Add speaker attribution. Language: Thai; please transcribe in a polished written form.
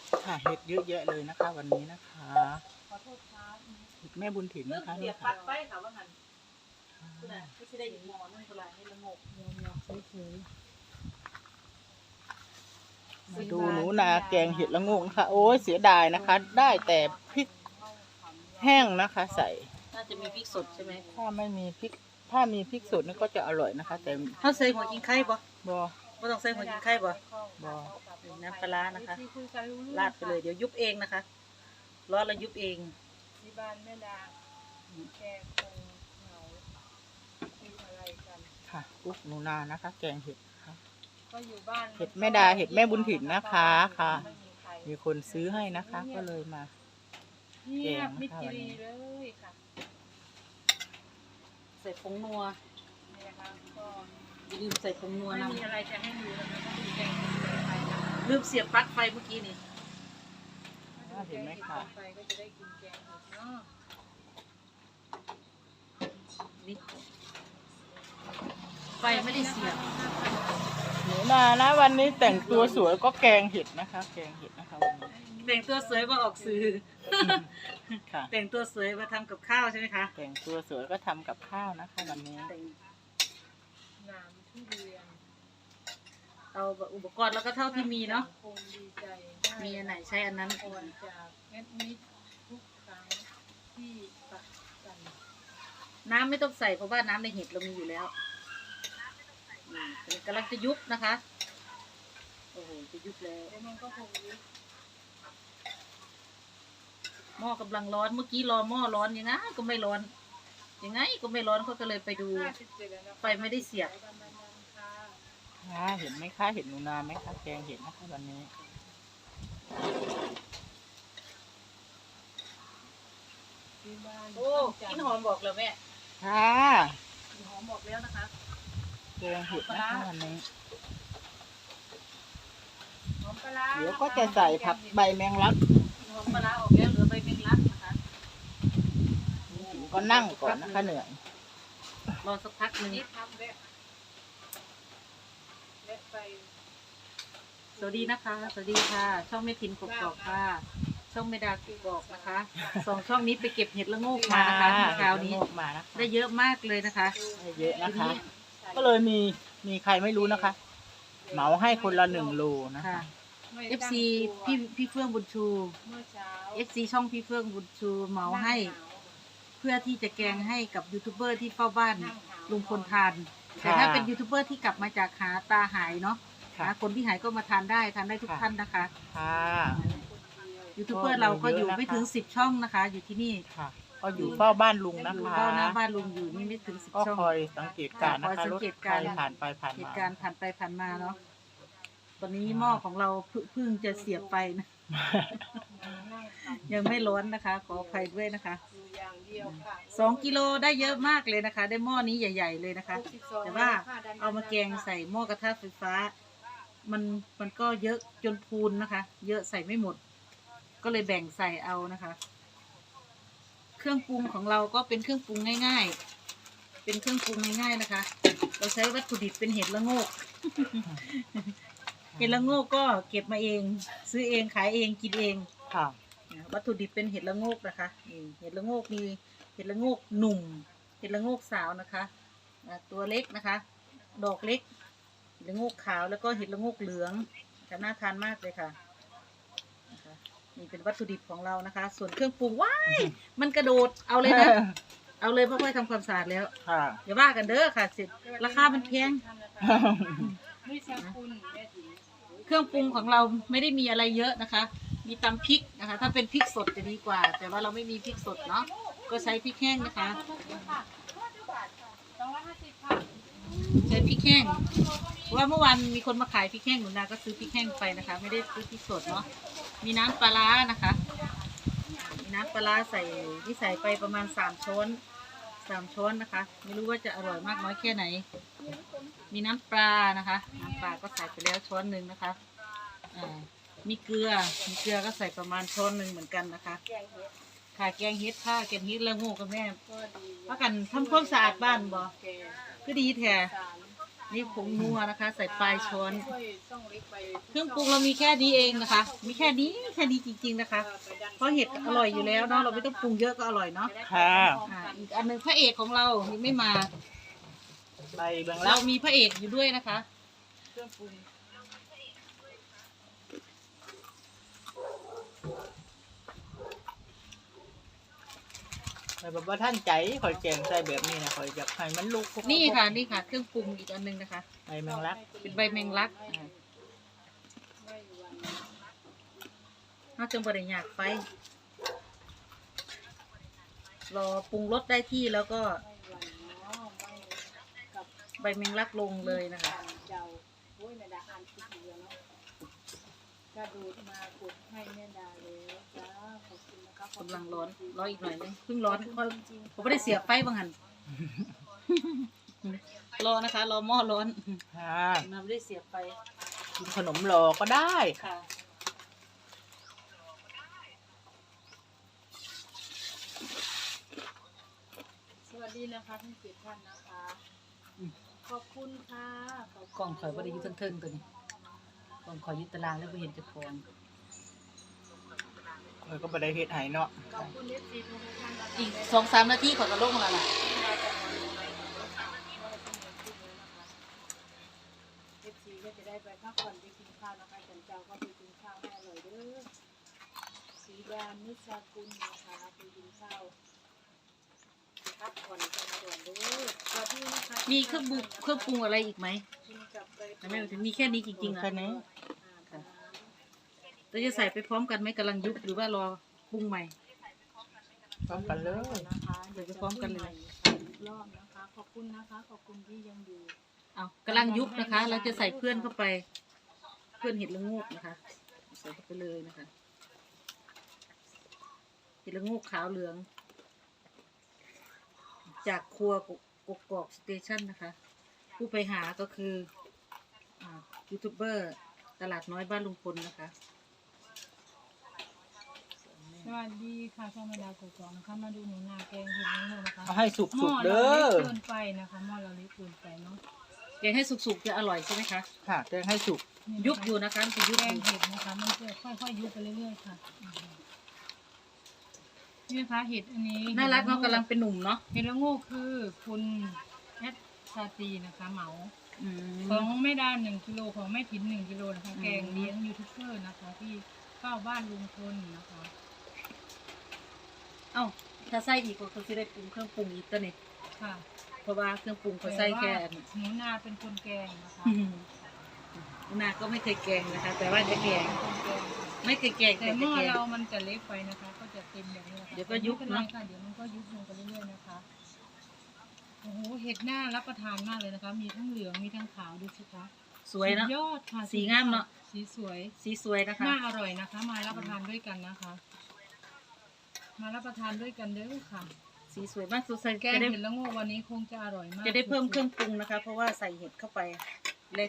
Speaker 1: ค่ะเห็ดเยอะแยะเลยนะคะ วันนี้นะคะ
Speaker 2: ขอโทษครับ
Speaker 1: เห็ดแม่บุญถิ่นนะคะ
Speaker 2: เสีย
Speaker 1: นี่
Speaker 2: บปลั๊
Speaker 1: ค่ะ
Speaker 2: กไฟค่ะว่างั้นคุณน่ะไม่ใช่ได้อีกหมอนึงเท่าไหร่ให้ละงกเงียวๆเฉย
Speaker 1: มาดูหนูนาแกงเห็ดละโงกนะคะโอ้ยเสียดายนะคะ ได้แต่พริกแห้งนะคะ ใส่
Speaker 2: ๆน่าจะมีพริกสดใช่ไหม
Speaker 1: ถ้าไม่มีพริก ถ้ามีพริกสดนี่ก็จะอร่อยนะคะ แต่
Speaker 2: เขาใส่หัวกินไข่บ่
Speaker 1: บอ
Speaker 2: ไม่ต้องใส่หัวกินไข่บ่
Speaker 1: บอ
Speaker 2: น้ำปลาร้านะคะราดไปเลยเดี๋ยวยุบเองนะคะร้อนแล้วยุบเอง
Speaker 3: ที่บ้านแม่ดาแกคงเหงาคุยอะไรกัน
Speaker 1: ค่ะกุ๊กหนูนานะคะ แกงเห็ดค่ะ
Speaker 3: ก็อยู่บ้าน
Speaker 1: เห็ดแม่ดาเห็ดแม่บุญถิ่นนะคะค่ะ
Speaker 3: ไม่มีใคร
Speaker 1: มีคนซื้อให้นะคะ ก็เลยมา
Speaker 3: เงียบมิดจิรีเลยค่ะ
Speaker 2: ใส่ผงนัว
Speaker 3: นี่นะคะก็
Speaker 2: อย่าลืมใส่ผงนัว
Speaker 3: ไม่
Speaker 2: นะ
Speaker 3: มีอะไรจะให้ดูแล้วนะก็คือแกงเห็ดไฟนะ
Speaker 2: ลืมเสียบปลั๊กไฟเมื่อกี้นี่
Speaker 1: เห็นไหมคะ
Speaker 3: ไฟก็จะได้กินแกงเห็ดเนาะ
Speaker 2: นี่ไฟไม่ได้เสียบ
Speaker 1: หนูนานะวันนี้แต่งตัวสวยก็แกงเห็ดนะคะ แกงเห็ดนะคะวันนี้
Speaker 2: แต่งตัวสวยมาออกสื่อ
Speaker 1: ค่ะ
Speaker 2: แต่งตัวสวยมาทำกับข้าวใช่ไหมคะ
Speaker 1: แต่งตัวสวยก็ทำกับข้าวนะคะวันนี้
Speaker 2: แต่ง
Speaker 3: น้ำทุเรียน
Speaker 2: เอาอุปกรณ์แล้วก็เท่าที่มีเนาะ
Speaker 3: คงดีใจ
Speaker 2: มีอันไหนใช้อันนั้น
Speaker 3: ก่อนจากเม็ดมิดทุกครั้งที่ปักกัน
Speaker 2: น้ำไม่ต้องใส่เพราะว่าน้ำในเห็ดเรามีอยู่แล้วกำลังจะยุบนะคะ โอ้โหจะยุบแล้ว
Speaker 3: แล้วมันก็คงยุบ
Speaker 2: หม้อกำลังร้อนเมื่อกี้รอหม้อร้อนยังไงก็ไม่ร้อนยังไงก็ไม่ร้อนเขาก็เลยไปดู
Speaker 3: 57แล้วนะ
Speaker 2: ไฟไม่ได้เสียบ
Speaker 3: ประมาณนั้นค่ะ
Speaker 1: ค่ะเห็นไหมคะเห็นหนูนาไหมคะแกงเห็ดนะคะวันนี้
Speaker 3: ที่บ้าน
Speaker 2: โอ้กินหอมบอกแล้วแม่
Speaker 1: ค่ะ
Speaker 2: กินหอมบอกแล้วนะคะ
Speaker 1: แกงเห็ดนะคะวันนี้
Speaker 3: หอมปลาร้า
Speaker 1: เดี๋ยวก็จะใส่ผักใบแมงลัก
Speaker 2: กินหอมปลาร้าออกแล้วเหลือใบเมงลักนะคะ
Speaker 1: ก็นั่งก่อนนะคะเหนื่อย
Speaker 2: รอสักพักหนึ่ง
Speaker 3: นี่ทำแบบไป
Speaker 2: สวัสดีนะคะ สวัสดีค่ะ ช่องแม่ทินกกอกค่ะ ช่องแม่ดากกอกนะคะสองช่องนี้ไปเก็บเห็ดละโงกมานะคะเมื่อเช้านี้
Speaker 1: มานะคะ
Speaker 2: ได้เยอะมากเลยนะคะ
Speaker 1: ได้เยอะนะคะ ก็เลยมีใครไม่รู้นะคะ เหมาให้คนละ1 โลนะคะ
Speaker 2: ค่ะ FC พี่เฟื่องบุญชู
Speaker 3: เมื่อเช้า
Speaker 2: FC ช่องพี่เฟื่องบุญชูเหมาให้ เพื่อที่จะแกงให้กับยูทูบเบอร์ที่เฝ้าบ้านลุงพลทาน แต่ถ้าเป็นยูทูบเบอร์ที่กลับมาจากหาตาหายเนาะ
Speaker 1: ค่ะ
Speaker 2: นะคนที่หายก็มาทานได้ทุกท่านนะคะ
Speaker 1: ค่ะ
Speaker 2: ยูทูบเบอร์เราก็อยู่ไม่ถึง10 ช่องนะคะ อยู่ที่นี่
Speaker 1: ค่ะ ก็อยู่เฝ้าบ้านลุงนะ
Speaker 2: อยู่
Speaker 1: คะ
Speaker 2: เฝ้าหน้าบ้านลุงอยู่นี่ไม่ถึง
Speaker 1: ก็
Speaker 2: 10 ช่อง
Speaker 1: คอยสังเกตการณ์นะ
Speaker 2: คอย
Speaker 1: คะ
Speaker 2: สั
Speaker 1: รง ถ
Speaker 2: เกต
Speaker 1: ใค
Speaker 2: การ รณ์
Speaker 1: ผ่านไปผ่าน
Speaker 2: เห
Speaker 1: มา
Speaker 2: ตุการณ์ผ่านไปผ่านมาเนาะตอนนี้หม้อของเราเพิ่งจะเสียบไปนะ ยังไม่ร้อนนะคะ ขออภัยด้วยนะคะ
Speaker 3: อยู่อย่างเดียวค่ะ
Speaker 2: 2 กิโลได้เยอะมากเลยนะคะ ได้หม้อนี้ใหญ่ ๆเลยนะคะ แต่ว่าเอามาแกงใส่หม้อกระทะไฟฟ้า มันก็เยอะจนพูนนะคะ เยอะใส่ไม่หมด ก็เลยแบ่งใส่เอานะคะ เครื่องปรุงของเราก็เป็นเครื่องปรุงง่าย ๆ เป็นเครื่องปรุงง่ายๆนะคะ เราใช้วัตถุดิบเป็นเห็ดละโงก เห็ดละโงกก็เก็บมาเอง ซื้อเองขายเองกินเอง
Speaker 1: ค่ะ
Speaker 2: วัตถุดิบเป็นเห็ดละโงกนะคะนี่เห็ดละโงกมีเห็ดละโงกหนุ่ม เห็ดละโงกสาวนะคะตัวเล็กนะคะ ดอกเล็กเห็ดละโงกขาวแล้วก็เห็ดละโงกเหลืองจะน่าทานมากเลยค่ะนะคะนี่เป็นวัตถุดิบของเรานะคะ ส่วนเครื่องปรุงว้ายมันกระโดดเอาเลยนะ เอาเลยเพราะว่าทำความสะอาดแล้ว
Speaker 1: ค่ะ
Speaker 2: อย่าว่ากันเด้อค่ะเสร็จราคามันแพง
Speaker 3: ไม่ใช่คุณแม่จิ๋ว
Speaker 2: เครื่องปรุงของเราไม่ได้มีอะไรเยอะนะคะ มีตำพริกนะคะ ถ้าเป็นพริกสดจะดีกว่า แต่ว่าเราไม่มีพริกสดเนาะ ก็ใช้พริกแห้งนะคะ
Speaker 3: 250ค่ะ
Speaker 2: ใช้พริกแห้งเพราะว่าเมื่อวานมีคนมาขายพริกแห้งหนูนาก็ซื้อพริกแห้งไปนะคะ ไม่ได้ซื้อพริกสดเนาะ มีน้ำปลาร้านะคะ มีน้ำปลาร้าใส่ที่ใส่ไปประมาณ3 ช้อนนะคะ ไม่รู้ว่าจะอร่อยมากน้อยแค่ไหน มีน้ำปลานะคะ น้ำปลาก็ใส่ไปแล้วช้อนหนึ่งนะคะมีเกลือก็ใส่ประมาณช้อนหนึ่งเหมือนกันนะคะ
Speaker 3: แกงเห็ด
Speaker 2: ค่ะแกงเฮ็ดค่ะแกงเฮ็ดละโงูกับแม่
Speaker 3: ก็ดี
Speaker 2: ว่ากันทำความสะอาดบ้านบ่
Speaker 3: แกง
Speaker 2: ก็ดีแท้
Speaker 3: สาร
Speaker 2: นี่ผงนัวนะคะ ใส่ปลายช้อน
Speaker 3: ช่วยต้องเล็กไป
Speaker 2: เครื่องปรุงเรามีแค่นี้เองนะคะ มีแค่นี้จริงๆนะคะ เพราะเห็ดอร่อยอยู่แล้วเนาะเราไม่ต้องปรุงเยอะก็อร่อยเนาะ
Speaker 1: ค่ะ
Speaker 2: อีกอันหนึงพระเอกของเรายังไม่มา
Speaker 1: ใบแบง
Speaker 2: เรา
Speaker 1: ลัก
Speaker 2: มีพระเอกอยู่ด้วยนะคะ
Speaker 3: เครื่องปรุง
Speaker 1: แต่แบบว่าท่านใจคอยแกงใส่แบบนี้นะคอยอยากให้มันลุก
Speaker 2: นี่ค่ะนี่ค่ะ เครื่องปรุงอีกอันหนึงนะคะ
Speaker 1: ใบแมงลัก
Speaker 2: เป็นใบแมงลัก
Speaker 3: ไม่วัน
Speaker 2: น่าจะบริยากไฟรอปรุงรสได้ที่แล้วก็
Speaker 3: ไม่วันเนาะไม่กับ
Speaker 2: ใบแมงลักลงเลยนะคะ
Speaker 3: เจ้าโอ้ยแม่ดาอ่านคิดเดียวเนาะกระโดดมากดให้แม่ดาเลยจ้าขอบคุณนะคะ
Speaker 2: กำลังร้อนรออีกหน่อยนึงเพิ่งร้อนเพราะ
Speaker 3: จริง
Speaker 2: ผมไม่ได้เสียบไฟบางหัน รอนะคะ รอหม้อร้อน
Speaker 1: ค่ะ
Speaker 2: เราไม่ได้เสียบไฟ
Speaker 1: กินขนมรอก็ได้
Speaker 2: ค่ะ
Speaker 3: สวัสดีนะคะทั้งเจ็ดท่านนะคะ ขอบคุณค่ะขบคุณ
Speaker 2: กล่องข่อยบ่ได้อยู่เทิงๆตัวนี้กล่องข่อยอยึดตารางแล้วบ่เห็นเจะฟอง
Speaker 1: เออก็บ่ได้เฮ็ดให้เนาะ
Speaker 3: ขอบคุณเอฟซีทุกท่านนะคะ
Speaker 2: อีก2-3 นาทีข่อยก็ลงแล้วล่ะ
Speaker 3: เอฟซีก็จะได้ไปพักผ่อนไปกินข้าวนะคะจันเจ้าก็ไปกินข้าวให้อร่อยเด้อสีดานิสกุลนะคะไปกินข้าวพักผ่อนกันก่อนเด้อสวัสดีนะคะ
Speaker 2: มีเครื่องปรุงอะไรอีกไหม
Speaker 3: กินกับไป
Speaker 2: แต่ไม่ถึงมีแค่นี้จริงๆอ่ะ
Speaker 1: แค่นี้
Speaker 2: เราจะใส่ไปพร้อมกันไหมกำลังยุบหรือว่ารอปรุงใหม่
Speaker 1: พร้อมกันเลย
Speaker 3: นะคะ
Speaker 2: เดี๋ยวไปพร้อมกันเลย
Speaker 3: รอบนะคะ ขอบคุณนะคะ ขอบคุณที่ยังอยู่
Speaker 2: เอากำลังยุบนะคะ เราจะใส่เพื่อนเข้าไป เพื่อนเห็ดละโงูกนะคะ ใส่เข้าไปเลยนะคะ เห็ดละโงูกขาวเหลือง จากครัวกกอกสเตชันนะคะ ผู้ไปหาก็คือยูทูบเบอร์ตลาดน้อยบ้านลุงพลนะคะ
Speaker 3: สวัสดีค่ะช่องแม่ดาวกกอกนะคะมาดูหนูนาแกงเห็ดนางรมนะคะ
Speaker 1: เอาให้สุ
Speaker 3: หม้อก
Speaker 1: ๆ
Speaker 3: เรา
Speaker 1: เด้
Speaker 3: เล็
Speaker 1: อก
Speaker 3: เกินไปนะคะหม้อเราเล็กเกินไปเนาะ
Speaker 2: แกงให้สุกๆจะอร่อยใช่ไหมคะ
Speaker 1: ค่ะแกงให้สุก
Speaker 2: ยุบอยู่นะคะมันจะยุบ
Speaker 3: แก
Speaker 2: อง ยู่
Speaker 3: เห็ดนะคะมันจะค่อยๆยุบไปเรื่อยๆค่ะนี่นะคะเห็ดอันนี้
Speaker 2: น่ารักเนาะกำลังเป็นหนุ่มเนาะ
Speaker 3: เห็ดละโงูคือคุณแอดชาตรีนะคะเหมา
Speaker 2: อื
Speaker 3: ของ
Speaker 2: ม
Speaker 3: แม่ดา1 กิโลของแม่ถิ่น1 กิโลนะคะแกงเลี้ยงยูทูบเบอร์นะคะ ที่เฝ้าบ้านลุงพลนะคะ
Speaker 2: เอ้าถ้าใส่อีกก็คือจะได้ปรุงเครื่องปรุงอีกตัวนี้
Speaker 3: ค่ะ
Speaker 2: เพราะว่าเครื่องปรุงเขาใส่แค่
Speaker 3: ต่ว่าหนูนาเป็นคนแกงนะคะ
Speaker 2: นาก็ไม่เคยแกงนะคะ แต่ว่าจะแกง
Speaker 3: เป็นคนแกงค่ะ
Speaker 2: ไม่เคยแกง
Speaker 3: แต่
Speaker 2: แต่
Speaker 3: ห
Speaker 2: จะ
Speaker 3: ม้อ
Speaker 2: แกง
Speaker 3: เรามันจะเล็กไปนะคะ ก็จะเต็มแบบนี้นะคะ
Speaker 2: เดี๋ยวก็ยุบ
Speaker 3: ไม่เป็นไร
Speaker 2: เนอะ
Speaker 3: ค่ะเดี๋ยวมันก็ยุบลงไปเรื่อยๆนะคะโอ้โหเห็ดหน้ารับประทานมากเลยนะคะ มีทั้งเหลืองมีทั้งขาวดูสิคะ
Speaker 2: สวยเนาะ
Speaker 3: สุดยอดค่ะ
Speaker 2: สีงามเนอะ
Speaker 3: สีสวย
Speaker 2: สีสวยนะคะ
Speaker 3: น่าอร่อยนะคะ มารับประทานด้วยกันนะคะ มารับประทานด้วยกันเด้อค่ะ
Speaker 2: สีสวยมากสุดใส่
Speaker 3: แกง
Speaker 2: จะได้
Speaker 3: เห็ดละโงูวันนี้คงจะอร่อยมาก
Speaker 2: จะได้เพิ่มเครื่องปรุงนะคะ เพราะว่าใส่เห็ดเข้าไป